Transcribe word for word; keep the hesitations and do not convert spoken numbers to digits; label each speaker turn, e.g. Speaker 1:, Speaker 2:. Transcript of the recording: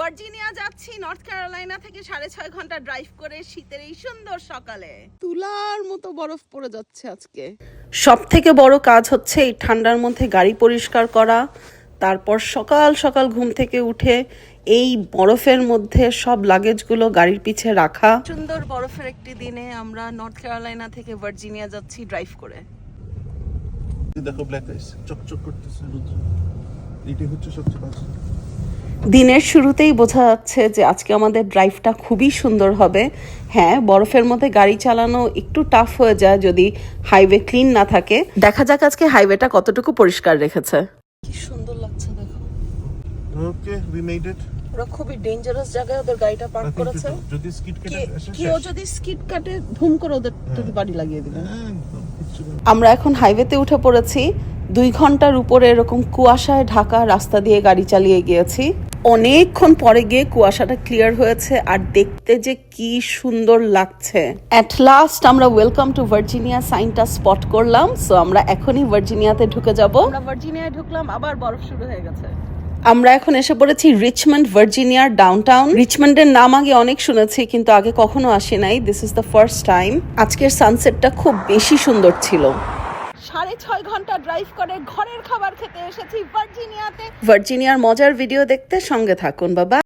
Speaker 1: Virginia যাচ্ছি north Carolina থেকে সাড়ে ছয় ঘন্টা ড্রাইভ করে শীতের এই সুন্দর সকালে। তুলার মতো বরফ পড়ে যাচ্ছে আজকে। সব থেকে বড় কাজ হচ্ছে এই ঠান্ডার মধ্যে গাড়ি পরিষ্কার করা, তারপর সকাল সকাল ঘুম থেকে উঠে এই বরফের মধ্যে সব লাগেজগুলো গাড়ির পিছে রাখা। সুন্দর বরফের একটি দিনে আমরা নর্থ ক্যারোলাইনা থেকে ভার্জিনিয়া যাচ্ছি ড্রাইভ করে।
Speaker 2: দেখো ব্ল্যাক আইস চকচক করতেছে রোদ, এটাই হচ্ছে সবচেয়ে বাজে।
Speaker 1: দিনের শুরুতেই বোঝা যাচ্ছে যে আজকে আমাদের ড্রাইভটা খুবই সুন্দর হবে। হ্যাঁ, বরফের মধ্যে গাড়ি চালানো একটু টাফ হয়ে যায় যদি হাইওয়ে ক্লিন না থাকে। দেখা যাক আজকে হাইওয়েটা কতটুকু পরিষ্কার রেখেছে। কি সুন্দর লাগছে দেখো।
Speaker 2: Okay, we made it.
Speaker 1: ওরা খুবই ডেঞ্জারাস জায়গায় ওদের গাড়িটা পার্ক করেছে।
Speaker 2: যদি স্কিড কেটে আসে,
Speaker 1: কেউ যদি স্কিড কাটে ধুম করে ওদের বাড়ি লাগিয়ে দিবে।
Speaker 2: একদম কিচ্ছু না।
Speaker 1: আমরা এখন হাইওয়েতে উঠে পড়েছি। দুই ঘন্টার উপরে এরকম কুয়াশায় ঢাকা রাস্তা দিয়ে গাড়ি চালিয়ে গিয়েছি। অনেকক্ষণ পরে গিয়ে কুয়াশাটা ক্লিয়ার হয়েছে আর দেখতে যে কি সুন্দর লাগছে। অ্যাট লাস্ট আমরা ওয়েলকাম টু ভার্জিনিয়া সাইনটা স্পট করলাম। সো আমরা এখনই ভার্জিনিয়াতে ঢুকে যাব। আমরা ভার্জিনিয়ায় ঢুকলাম, আবার বরফ শুরু হয়ে গেছে। আমরা এখন এসে পড়েছি রিচমন্ড, ভার্জিনিয়ার ডাউনটাউন। রিচমন্ডের নাম আগে অনেক শুনেছি কিন্তু আগে কখনো আসি নাই। This is the first time. আজকের সানসেটটা খুব বেশি সুন্দর ছিল। সাড়ে ছয় ঘন্টা ড্রাইভ করে ঘরের খাবার খেতে এসেছি ভার্জিনিয়াতে। ভার্জিনিয়ার মজার ভিডিও দেখতে সঙ্গে থাকুন বাবা।